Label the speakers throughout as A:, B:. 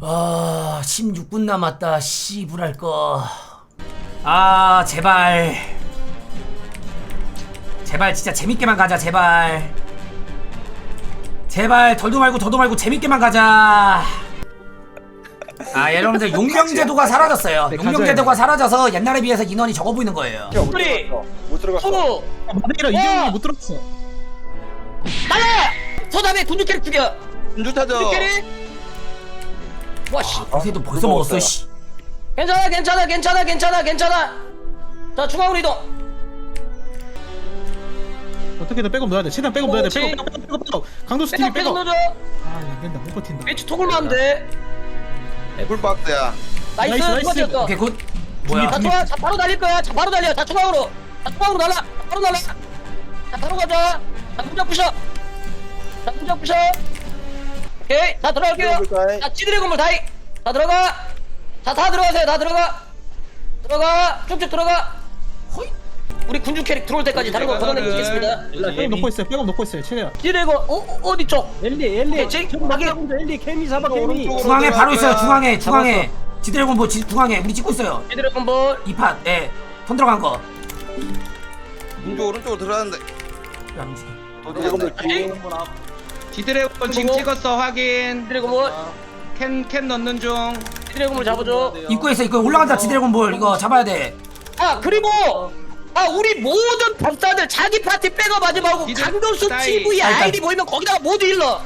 A: 아 16분 남았다. 씨부랄 거. 아 제발 진짜 재밌게만 가자. 제발 덜도 말고 더도 말고 재밌게만 가자. 아 여러분들 용병제도가 사라졌어요. 용병제도가 사라져서 옛날에 비해서 인원이 적어 보이는 거예요.
B: 우리
C: 못 들어갔어.
B: 소부
D: 마데이라 이재용이 못 들었어.
B: 날라 서답에 군주 캐릭 죽여.
C: 군주 타죠.
B: 군주 캐릭. 와씨
A: 요새도 벌써 먹었어. 씨.
B: 괜찮아. 자 중앙으로 이동.
D: 어떻게든 백업 넣어야 돼. 최대한 백업 넣어야 돼.
B: 그렇지.
D: 백업. 강도 스틸이
B: 백업
D: 백업.
B: 넣어줘.
D: 아, 안 된다. 못 버틴다.
B: 벤치 토글만 하면 돼.
C: 풀박스야.
B: 나이스
D: 나이스.
B: 두 번째였어.
A: 오케이 굿. 뭐야?
B: 자 좋아. 자 바로 달릴 거야. 자 바로 달려. 자 중앙으로 날라. 바로 날라. 자 바로 가자. 자 문장 부셔. 오케이. 자 들어갈게요. 자 지드래 건물 다이. 자 들어가. 자 다 들어가세요. 다 들어가. 쭉쭉 들어가. 호이. 우리 군주 캐릭 들어올 때까지 다른 거 걷어내고 있겠습니다.
D: 백업 넣고 있어요. 백업 넣고 있어요. 최대한.
B: 지드래 건 어디 쪽?
E: 엘리
B: 제
E: 엘리 케미 잡아 케미.
A: 중앙에 바로 있어요. 중앙에. 지드래곤 뭐 중앙에 우리 찍고 있어요.
B: 지드래 건물.
A: 이 판. 예. 손 들어간 거.
C: 군주 오른쪽으로 들어갔는데.
A: 야, 움직여.
F: 지드래곤 지금 찍었어. 확인.
B: 지드래 건물.
F: 캔 넣는 중.
B: 지드래 건물 잡아줘.
A: 입구에 있어. 입구에 올라간다. 지드래곤 볼 이거 잡아야 돼.
B: 아 그리고 우리 모든 법사들 자기 파티 백업하지 말고
F: 니들
B: 강도수
F: 따위.
B: TV
A: 따위.
B: 아이디 보이면 거기다가 모두 일러.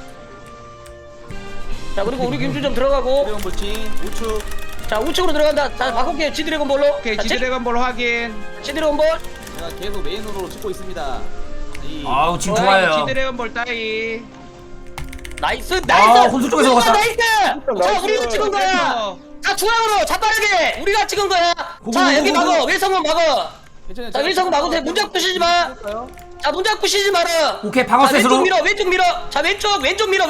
B: 자 그리고 우리 김주점 들어가고. 자 우측으로 들어간다. 자 바꿀게요. 지드래곤 볼로.
F: 오케이.
B: 자,
F: 지드래곤 볼 확인.
B: 지드래곤 볼.
E: 제가 계속 메인으로 찍고 있습니다.
A: 아우 지금
B: 좋아요.
A: 좋아요.
F: 지드래곤 볼 따위.
B: 나이스.
A: 혼수 쪽에서 먹었다.
B: 나이스. 자 우리가 찍은 거야. 자 중앙으로 자빠르게 우리가 찍은 거야. 자 여기 막어. 외성문 막어. 자 외성문 막으세요. 문장 부시지 마. 자 문장 부시지 마라.
A: 오케이 방어
B: 자 왼쪽
A: 셋으로.
B: 밀어. 자 왼쪽 밀어.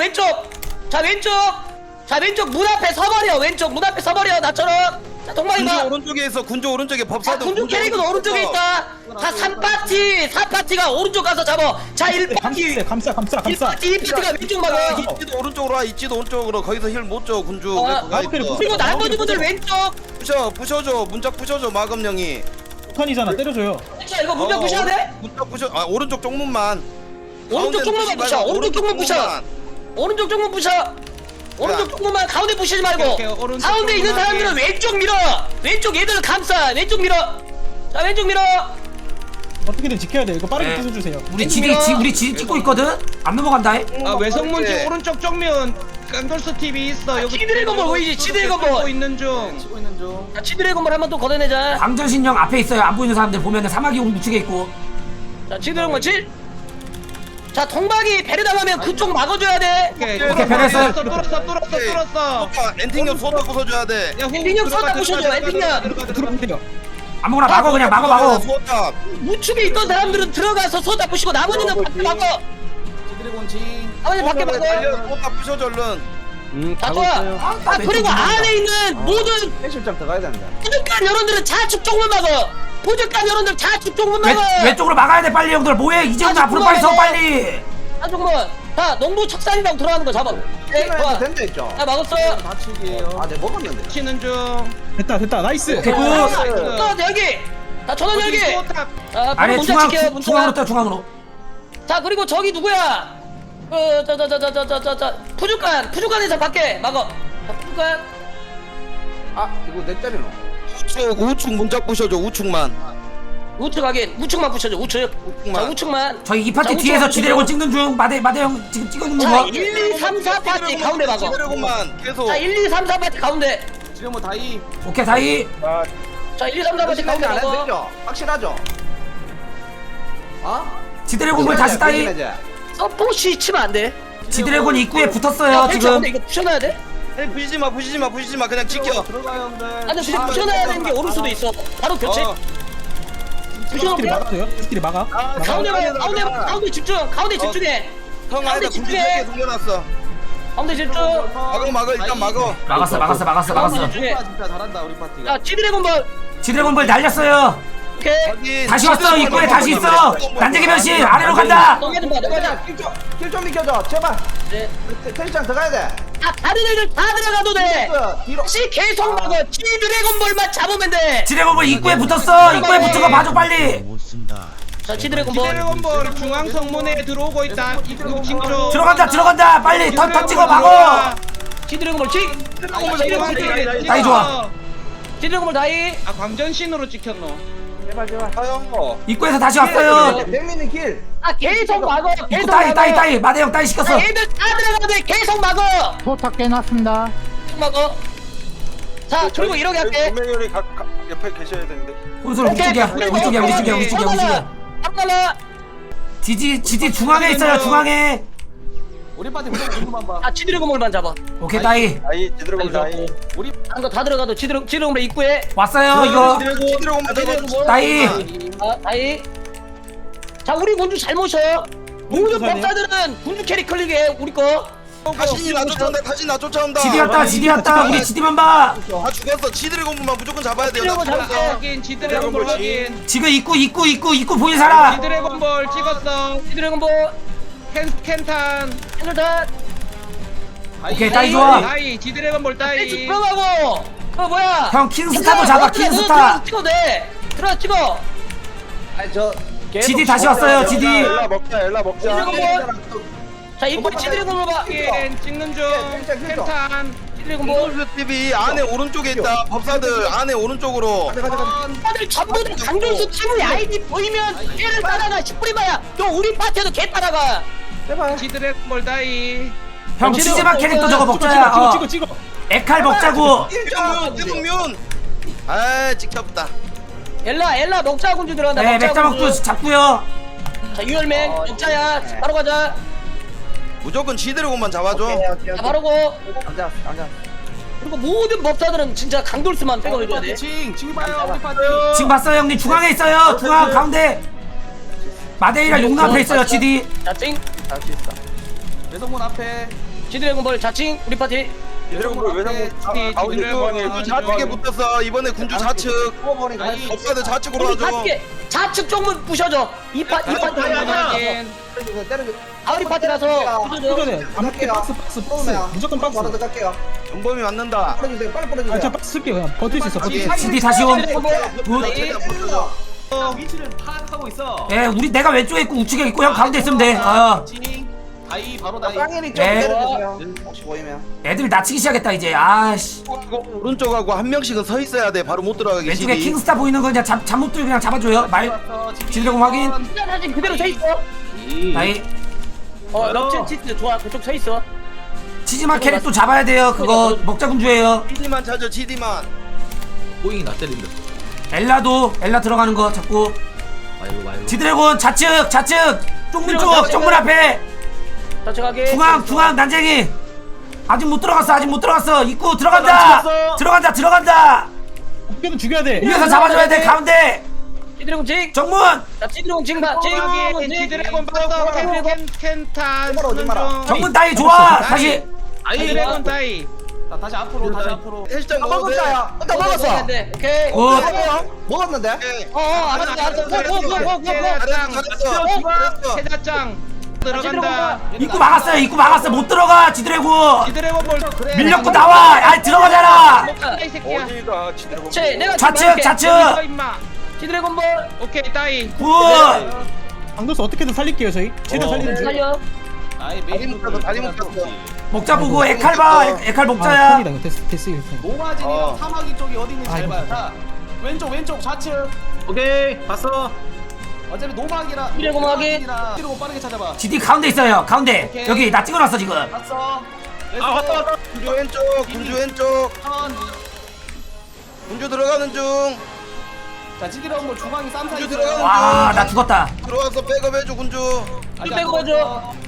B: 자 왼쪽 문 앞에 서버려. 왼쪽 문 앞에 서버려. 나처럼. 자 동방이
C: 군주
B: 봐.
C: 오른쪽에 있어. 군주 오른쪽에
B: 자
C: 법사도.
B: 군주 캐릭은 오른쪽에 있다. 자 3파티가 오른쪽 가서 잡아. 자 1파티
D: 감싸.
B: 1파티가 왼쪽 막아.
C: 이찌도 오른쪽으로 와. 이찌도 오른쪽으로. 거기서 힐 못 줘. 군주.
B: 그리고 나머지 분들 왼쪽.
C: 부셔줘. 문짝 부셔줘. 마검령이.
D: 폭탄이잖아. 때려줘요.
B: 자 이거 문장 부셔야 돼.
C: 문짝 부셔. 아 오른쪽 쪽문만.
B: 오른쪽 쪽문만 부셔. 오른쪽 쪽문 부셔. 오른쪽 쪽문 부셔. 오른쪽 쪽문만 가운데 부시지 말고.
F: 오케이, 오른쪽
B: 가운데 있는
F: 쪽문만
B: 사람들은 왼쪽 밀어. 왼쪽 얘들을 감싸. 왼쪽 밀어. 자 왼쪽 밀어.
D: 어떻게든 지켜야 돼. 이거 빠르게
A: 네.
D: 부숴주세요.
A: 우리 지디 찍고 있거든. 안 넘어간다.
F: 외성문
C: 네.
F: 쪽 오른쪽 정면 깡돌스 TV 있어. 여기
B: 지드래곤 볼 보이지? 지드래곤 볼.
F: 찍고 있는 중.
E: 찍고 있는 중.
B: 자 지드래곤 볼 한번 또 걷어내자.
A: 광전신령 앞에 있어요. 안 보이는 사람들 보면은 사마귀 우측에 있고.
B: 자 지드래곤 볼 칠. 자 동박이 배를 당하면 그쪽 막아줘야 돼.
F: 오케이.
A: 배냈어요.
F: 뚫었어.
C: 엔팅력 소다 부숴줘야 돼.
F: 야,
B: 엔딩력 쏟아 부셔줘, 엔딩력.
D: 들어오면 돼요.
A: 아무거나 막어 그냥 막어.
C: 소다.
B: 우측에 있던 사람들은 들어가서 쏟아 부시고 나머지는 밖에 막어.
E: 지드래곤 징.
B: 나머지 밖에 막어.
C: 소다 부셔줘 얼른.
B: 자 좋아. 아 그리고 안에 있는 모든
E: 해실장 들어가야 된다.
B: 부족한 여론들은 좌측 쪽문 막어. 부족한 여론들 좌측 쪽문 막어.
A: 왼쪽으로 막아야 돼 빨리 형들. 뭐해 이제부터 앞으로 빨리 서 빨리.
B: 자 조금만. 자 농부 척산이라고 들어가는 거 잡아. 네, 좋아.
E: 된다 했죠.
B: 자 막았어.
E: 다치기예요. 아, 내 먹었는데.
F: 치는 중.
D: 됐다. 나이스.
A: 오케이 굿.
B: 또 여기. 자 전원 여기.
F: 소탑.
B: 자
A: 아래
B: 문자 지켜요. 문자.
A: 중앙으로 떠 중앙으로.
B: 자 그리고 저기 누구야? 푸주간에서 밖에 막어. 자, 푸주간.
E: 아, 이거 내 때리노.
C: 우측 문짝 부셔줘. 우측만.
B: 우측 확인. 우측만 부셔줘. 우측. 자 우측만.
A: 저희 이 파티
B: 자,
A: 뒤에서
B: 우측,
A: 지드래곤
B: 우측.
A: 찍는 중. 마대 형 지금 찍어주는
B: 자
A: 거.
B: 1, 2, 3, 4 파티 가운데 막어.
C: 지드래곤만 계속.
B: 자 1, 2, 3, 4 파티 가운데.
E: 지금 뭐 다이.
A: 오케이 다이.
B: 자 1, 2, 3, 4 파티 가운데
E: 안 해도
B: 막어.
E: 되죠? 확실하죠? 어?
A: 지드래곤 다시 따이.
B: 서포시 치면 안 돼.
A: 지드래곤 입구에 붙었어요
B: 야,
A: 지금.
B: 근데 이거 부셔놔야 돼?
C: 아니 부시지 마. 그냥 지켜.
E: 들어가요, 형들.
B: 아 근데 부셔놔야 되는 게 오를 수도 있어. 바로 교체.
D: 스킬이
B: 부셔놓을게.
D: 막아줘요. 스킬이 막아.
B: 가운데 봐. 가운데 집중. 가운데 집중해.
C: 형
B: 가운데
C: 안에다 군주
B: 집중해.
C: 3개 숨겨놨어.
B: 가운데 집중.
C: 막어 일단 막어.
A: 막았어.
B: 가운데 집중해.
E: 진짜 잘한다, 우리 파티가.
B: 자 지드래곤 볼.
A: 지드래곤 볼 날렸어요.
B: 오케이.
C: 확인.
A: 다시 왔어. 입구에 다시 있어. 난쟁이 변신 아래로 간다.
B: 너가 좀 봐. 너가 좀.
E: 킬좀 비켜줘, 제발.
B: 네.
E: 텐션 들어가야 돼.
B: 다른 애들 다 들어가도 돼.
E: 뒤로.
B: 다시 계속 막어. G 드래곤볼만 잡으면 돼.
A: 지뢰곤볼 입구에 붙었어. 입구에 붙은 거 봐줘 빨리.
B: 자, G 드래곤볼.
F: 드래곤볼 중앙 성문에 들어오고 있다. 입구 징조.
A: 들어간다 빨리 턴 찍어 막어.
B: G 드래곤볼 G. G 드래곤볼 G.
A: 다이 좋아.
B: G 드래곤볼 다이.
F: 아 광전신으로 찍혔노.
E: 제발 제발.
C: 아형
A: 입구에서 다시 왔어요.
E: 백미는 길.
B: 아, 계속 막어.
A: 입구
B: 계속
A: 따이 마대형 따이 시켰어.
B: 자, 얘들 다 들어가도 돼. 계속 막어.
G: 포탑 깨놨습니다.
B: 계속 막어. 자, 그리고 이렇게 할게.
C: 조명열이 옆에 계셔야 되는데.
A: 혼술 우리 쪽이야. 우리 쪽이야.
B: 한달라.
A: 지지 중앙에 있어요. 중앙에.
E: 우리 파티 무조건 공부만 봐.
B: 아, G 드래곤볼만 잡아.
A: 오케이 따이
C: 아이 제대로 다이.
E: 우리
B: 한 거 다 들어가도 G 드래곤볼 입구에.
A: 왔어요 이거.
C: 제대로 잡아.
A: 따이.
B: 아, 다이. 자, 우리 군주 잘 모셔. 모든 법사들은 군주 캐리 클릭해. 우리 거.
C: 다시 나 쫓아온다. 다시 나 쫓아온다.
A: 지디 왔다. 우리 지디만 봐.
C: 다 죽였어. 지드래곤만 무조건 잡아야 돼요. 나
B: 지드래곤
C: 죽었어.
B: 잡을게.
F: 확인 지드래곤볼 확인.
A: 지금 입구 보인 사람.
F: 지드래곤볼 찍었어.
B: G 드래곤볼.
F: 캔탄.
B: 핸들탄.
A: 오케이 따이 좋아.
F: 다이 지드래곤볼
B: 쭉
F: 다이.
B: 들어가고. 뭐야?
A: 형 킹스타도 잡아 킹스타.
B: 찍어도 돼. 들어가 찍어.
E: 아니 저.
A: 지디 다시 왔어요 지디.
C: 엘라 먹자.
B: 지드래곤볼. 자, 이번에 G 드래곤볼 봐.
F: 확인 찍는 중. 캔탄.
B: G 드래곤볼.
C: 공돌수 TV 안에 오른쪽에 있다. 법사들 안에 오른쪽으로.
B: 다들 전부 다 강준수 팀의 아이디 보이면 걔를 따라가. 10분이마야. 너 우리 파티에도 걔 따라가.
E: 제발.
F: 지드래곤볼 다이.
A: 형 치즈맛 캐릭터 저거 먹자야.
D: 찍어.
A: 에칼 먹자고.
C: 대동면. 아 찍혔다.
B: 엘라 먹자 군주 들어간다.
A: 네 맥자 먹고 잡고요.
B: 자, 유열맹 먹자야. 바로 가자.
C: 무조건 지드래곤만 잡아줘.
B: 자, 바로 고.
E: 앉아.
B: 그리고 모든 법사들은 진짜 강돌스만 백업해줘야 돼.
E: 징 봐요 우리 파티.
A: 지금 봤어요 형님 중앙에 있어요. 중앙 가운데. 마데이라 용 앞에 있어요 지디.
B: 자칭.
E: 할수 있어. 외성문 앞에.
B: 지드래곤볼 자칭 우리 파티.
C: 지드래곤 왜 가운데 군주 좌측에 붙었어. 이번에 군주 좌측.
E: 뽑아버린 거.
C: 법사들 좌측으로
B: 우리
C: 와줘.
B: 파티 좌측 쪽문 부셔줘. 이 파티
F: 확인.
E: 때려.
B: 아, 우리 파티라서 부셔줘.
D: 이거는 아무튼 박스 무조건 박스.
E: 바로 들어갈게요.
C: 영범이 맞는다.
E: 뿌려주세요. 빨리 뿌려주세요.
D: 아, 저 박스 쓸게요. 그냥 버틸 수 있어. 버틸 수 있어.
A: 지디 다시 온.
E: 위치를 파악하고 있어.
A: 예 우리 내가 왼쪽에 있고 우측에 있고 형 가운데 있으면 돼.
E: 다이 바로 다이. 땅일이 좀
A: 네.
E: 때려주세요. 혹시 보이면.
A: 애들이 낮추기 시작했다 이제. 아씨.
C: 이거 오른쪽하고 한 명씩은 서 있어야 돼. 바로 못 들어가게.
A: 왼쪽에
C: 지디.
A: 킹스타 보이는 거 그냥 잠못 들고 그냥 잡아줘요. 말. 지드래곤 확인.
B: 사진 그대로 서 있어.
A: 나이.
B: 럭치 치트 좋아. 그쪽 서 있어.
A: 치즈맛 캐릭 또 잡아야 돼요. 그거 먹자 군주예요.
C: 지디만 찾아. 지디만.
A: 엘라 들어가는 거 잡고. 지드래곤 좌측 쪽문 쪽 쪽문 앞에
B: 자측하게.
A: 중앙 난쟁이 아직 못 들어갔어. 입구 들어간다.
D: 어떻게든 죽여야 돼.
A: 위에서 잡아줘야 돼. 가운데
B: 지드래곤 징.
A: 정문.
B: 자, 지드래곤 징 봐.
F: 확인 지드래곤 봤어. 캔탄 쓰는 중.
A: 정문 따위 좋아. 다시
F: 지드래곤 다이.
E: 자 다시 앞으로.
C: 헬스장 먹어도 돼.
E: 나 먹었어.
B: 오케이.
A: 굿.
E: 먹었는데?
B: 알았어. 고.
C: 잘했어.
F: 세자짱 들어간다.
A: 입구 막았어. 못 들어가. 지드래곤
F: 지드래곤볼
A: 밀렸고 나와. 아이 들어가잖아.
F: 이 새끼야.
C: 어디가 지드래곤.
B: 내가
A: 좌측
F: 서 임마.
B: 지드래곤볼
F: 오케이 따이.
A: 굿.
D: 강도수 어떻게든 살릴게요 저희. 최대한 살리는 중.
B: 살려.
C: 다리 묶었어.
A: 먹자 보고 에칼 봐. 에칼
D: 아,
A: 먹자야.
D: 턴이다 이거 데스 이거 턴.
E: 노마진이랑 사마귀 쪽이 어디 있는지 잘
D: 아이고.
E: 봐요. 자 왼쪽 좌측.
G: 오케이, 봤어.
E: 어차피 노마기랑
B: 지드래곤 확인.
E: 지드래곤 빠르게 찾아봐.
A: 지디 가운데 있어요. 가운데
E: 오케이.
A: 여기 나 찍어놨어 지금.
E: 봤어.
G: 왔다.
C: 군주 왼쪽.
E: 턴.
C: 군주 들어가는 중.
E: 자 지드래곤 중앙이 쌈사
C: 군주
E: 있어요.
C: 들어가는 중.
A: 와 나 죽었다.
C: 들어와서 백업해줘 군주.
E: 아직
B: 빼고
E: 안
B: 해줘.
E: 들어갔어.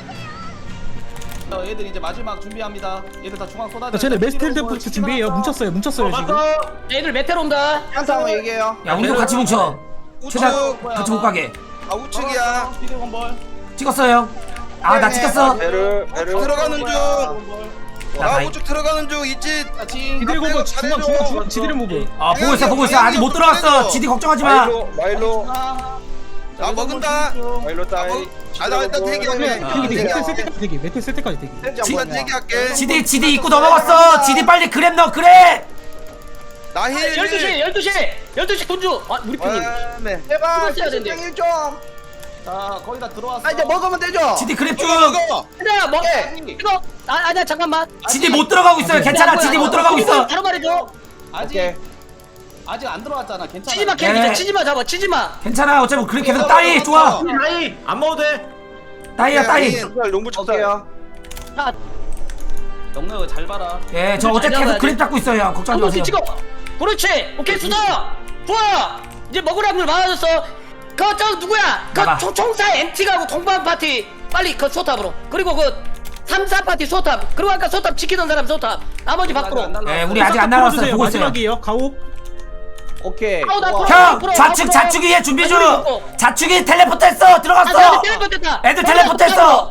E: 얘들 이제 마지막 준비합니다. 얘들 다 중앙 쏟아져.
D: 자, 쟤네 메스텔 데프트 준비해요. 뭉쳤어요 지금.
B: 애들 메테로 온다.
E: 한타 한번 얘기해요.
A: 야 우리도 같이 뭉쳐. 최대한 같이 못 가게.
C: 아 우측이야.
E: 지드래곤 볼.
A: 찍었어요. 아 나 찍혔어.
C: 배를 들어가는 중.
A: 나
C: 아
A: 다이.
C: 우측 들어가는 중 있지.
E: 자 징.
D: 지드래곤 거 중앙 지드래곤 모브.
A: 보고 있어. 아직 못 들어갔어. 지디 걱정하지 마.
C: 마일로.
E: 중앙.
C: 나 먹은다.
H: 일로 따이.
C: 나 일단 대기할게.
D: 메탈 쓸 때까지 대기. 메탈 쓸 때까지 대기.
C: 일단 대기할게.
A: 지디 입구 넘어갔어. 지디 빨리 그랩 넣어 그랩.
C: 나 힐.
B: 12시 군주. 아 우리 편님.
C: 네.
E: 제발
B: 써야 되는데.
E: 땡일 좀. 자 거의 다 들어왔어.
H: 이제 먹으면 되죠.
A: 지디 그랩 중.
B: 하나 먹. 이거 아니야 잠깐만.
A: 지디 못 들어가고 있어요. 괜찮아. 지디 못 들어가고 있어.
B: 바로 말해줘.
E: 아직 안 들어왔잖아. 괜찮아.
B: 치지마
A: 네.
B: 캐릭터 치지마 잡아 치지마.
A: 괜찮아. 어차피 그랩 계속 따이 좋아.
G: 나이 안 먹어도 돼.
A: 따이야 따이.
H: 농부 쳤어요.
B: 자
E: 영노 잘 봐라.
A: 예, 저 어차피 계속 그랩 잡고 있어요. 걱정하지
B: 한번씩
A: 마세요.
B: 찍어. 그렇지. 오케이 수다. 좋아. 이제 먹을 확률 많아졌어. 그저 누구야?
A: 나가.
B: 그 총사 MT가고 동반 파티 빨리 그 소탑으로. 그리고 그 3, 4파티 소탑. 그리고 아까 소탑 지키던 사람 소탑. 나머지 밖으로.
A: 예, 우리 아직 안 날아왔어요. 보고 있어요.
D: 마지막이에요. 가옥.
H: 오케이.
A: 형, 좌측 위에 준비 중. 좌측이 텔레포트 했어. 들어갔어. 애들 텔레포트 했어.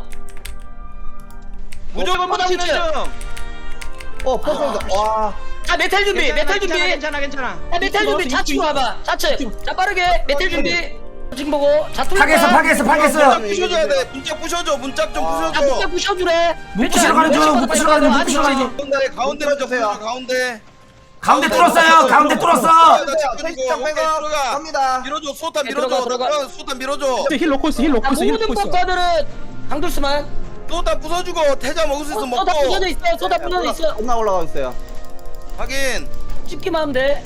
C: 무조건 묻히는 중.
H: 퍼즐다. 와.
B: 자 메탈 준비. 메탈 준비.
F: 괜찮아.
B: 자 메탈 준비. 좌측으로 와봐. 좌측. 자 빠르게 메탈 준비. 지금 보고. 자 뚫는다.
A: 파괴했어.
C: 부셔줘야 돼. 문짝 부셔줘. 문짝 좀
B: 자
C: 부셔줘.
B: 문짝 부셔주래.
A: 문 부시러 가는 중. 문 부시러 가는 중.
C: 가운데 부셔주세요. 가운데.
A: 가운데 뚫었어요. 가운데 뚫었어.
H: 택시장 빼고 갑니다.
C: 밀어줘. 소타
B: 네,
C: 밀어줘.
B: 들어가.
C: 소타 밀어줘.
D: 힐 놓고 있어. 힐 놓고
B: 자
D: 있어. 힐
B: 모든
D: 놓고 있어.
B: 법사들은 강둘스만.
C: 소타 부숴주고 태자 먹을 수 있으면
B: 쏟아
C: 먹고.
B: 부서져 있어. 쏟아 부서져 있어.
H: 겁나 올라가고 있어요.
C: 확인.
B: 찝기만 하면 돼.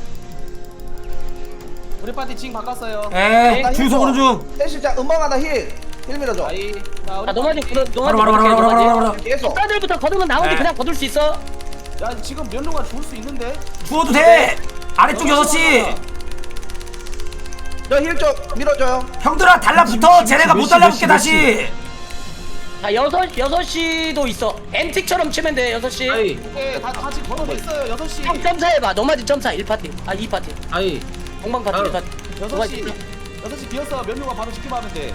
E: 우리 파티 징 바꿨어요.
A: 예, 주소 보는 중.
H: 택시장 음방하다 힐 밀어줘.
E: 아이. 자 우리
B: 자 노마진
A: 바로.
H: 계속.
B: 법사들부터 거두면 나머지
A: 네.
B: 그냥 거둘 수 있어.
E: 야 지금 면로가 죽을 수 있는데.
A: 주워도 돼. 아래쪽 6시.
H: 저 힐 좀 밀어줘요.
A: 형들아 달라붙어. 쟤네가 못 달라붙게 다시.
B: 자 6시도 있어. 엠틱처럼 치면 돼 6시.
G: 아이
E: 네, 다 같이 걸어져 있어요. 6시.
B: 형 점사 해봐. 노마진 점사 1파티. 아 2파티.
G: 아이
B: 공방 파티
G: 아,
B: 1파티.
E: 6시. 6시 비었어. 면로가 바로 지키면 하면 돼.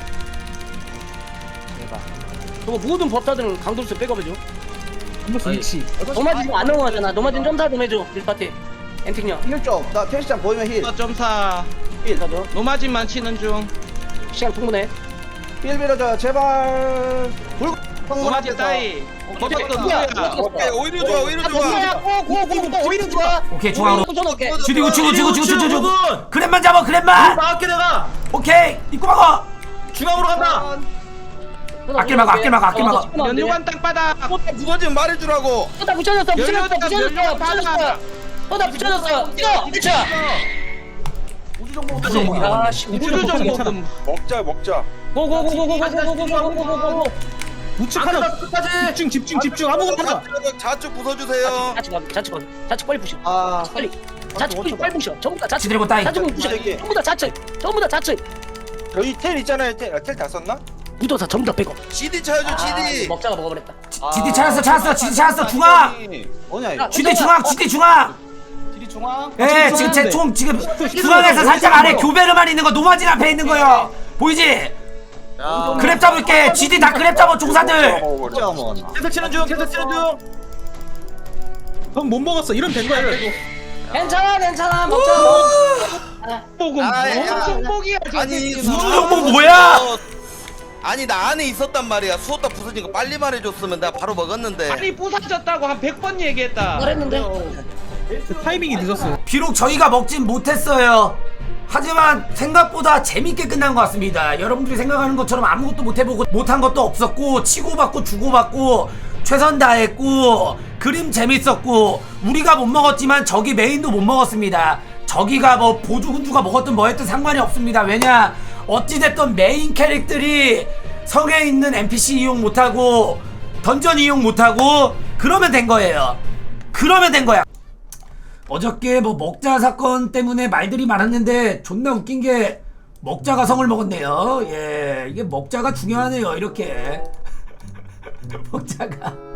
B: 그거 모든 법사들은 강돌수 백업해줘.
D: 한번씩 위치.
B: 노마진 안 넘어가잖아. 노마진 점사 좀 해줘 1파티. 엠틱녀.
H: 힐 좀. 나 택시장 보이면 힐.
F: 점사.
B: 힐 가줘.
F: 노마진만 치는 중.
B: 시간 충분해.
H: 힐 밀어줘요. 제발.
F: 노마진 따이.
B: 어디
F: 누구야?
C: 오케이. 오히려 좋아. 오히려 좋아.
B: 고고고고 오히려 좋아.
A: 오케이 중앙으로.
B: 붙여놓게.
A: 주디 우측.
G: 부분.
A: 그랩만 잡아. 그랩만.
G: 막게 내가
A: 오케이. 입구 막아.
G: 중앙으로 간다.
A: 아낄 막아.
F: 연료관 땅바닥.
C: 소타 부서지면 말해주라고.
B: 쏟아 붙여줬어.
F: 연료관 땅.
B: 쏟아 붙여줬어. 이거 그쵸.
E: 우주 정보.
B: 아씨
F: 우주 정보.
H: 먹자.
B: 고고고고고고고고고고고고고.
D: 우측 하나.
G: 끝까지.
D: 집중. 아무거나 하자.
C: 좌측 부숴주세요.
B: 좌측 빨리 부셔.
H: 아.
B: 빨리. 좌측 빨리 부셔. 전부 다 좌측.
A: 지들고 따이.
B: 좌측 부셔. 전부 다 좌측.
H: 저희 텔 있잖아요. 텔 다 썼나?
B: 무도사 전부 다 빼고.
C: CD 쳐야죠. CD.
B: 먹자가 먹어버렸다.
A: 지디 찾았어. 중앙.
H: 뭐냐 이거?
A: 지디 중앙.
E: 길이 중앙.
A: 예, 지금 제 총 지금 중앙에서 살짝 아래 교배로만 있는 거 노마진 앞에 있는 거요. 보이지? 그랩 잡을게. 지디 다 그랩 잡아 종사들.
H: 먹었나? 먹었나?
G: 계속 치는 중.
D: 형 못 먹었어. 이러면 된 거야.
B: 괜찮아. 먹자.
F: 뽀금. 무슨 뽕이야
C: 아니
A: 우주 정보 뭐야?
C: 아니 나 안에 있었단 말이야. 수호타 부서진 거 빨리 말해줬으면 내가 바로 먹었는데.
F: 아니 부서졌다고 한 100번 얘기했다.
B: 말했는데.
D: 타이밍이 늦었어요.
A: 비록 저희가 먹진 못했어요. 하지만 생각보다 재밌게 끝난 것 같습니다. 여러분들이 생각하는 것처럼 아무것도 못해보고 못한 것도 없었고 치고받고 주고받고 최선 다했고 그림 재밌었고 우리가 못 먹었지만 저기 메인도 못 먹었습니다. 저기가 뭐 보조군주가 먹었든 뭐 했든 상관이 없습니다. 왜냐 어찌됐든 메인 캐릭들이 성에 있는 NPC 이용 못하고 던전 이용 못하고 그러면 된 거예요. 어저께 뭐 먹자 사건 때문에 말들이 많았는데 존나 웃긴 게 먹자가 성을 먹었네요. 예, 이게 먹자가 중요하네요. 이렇게 먹자가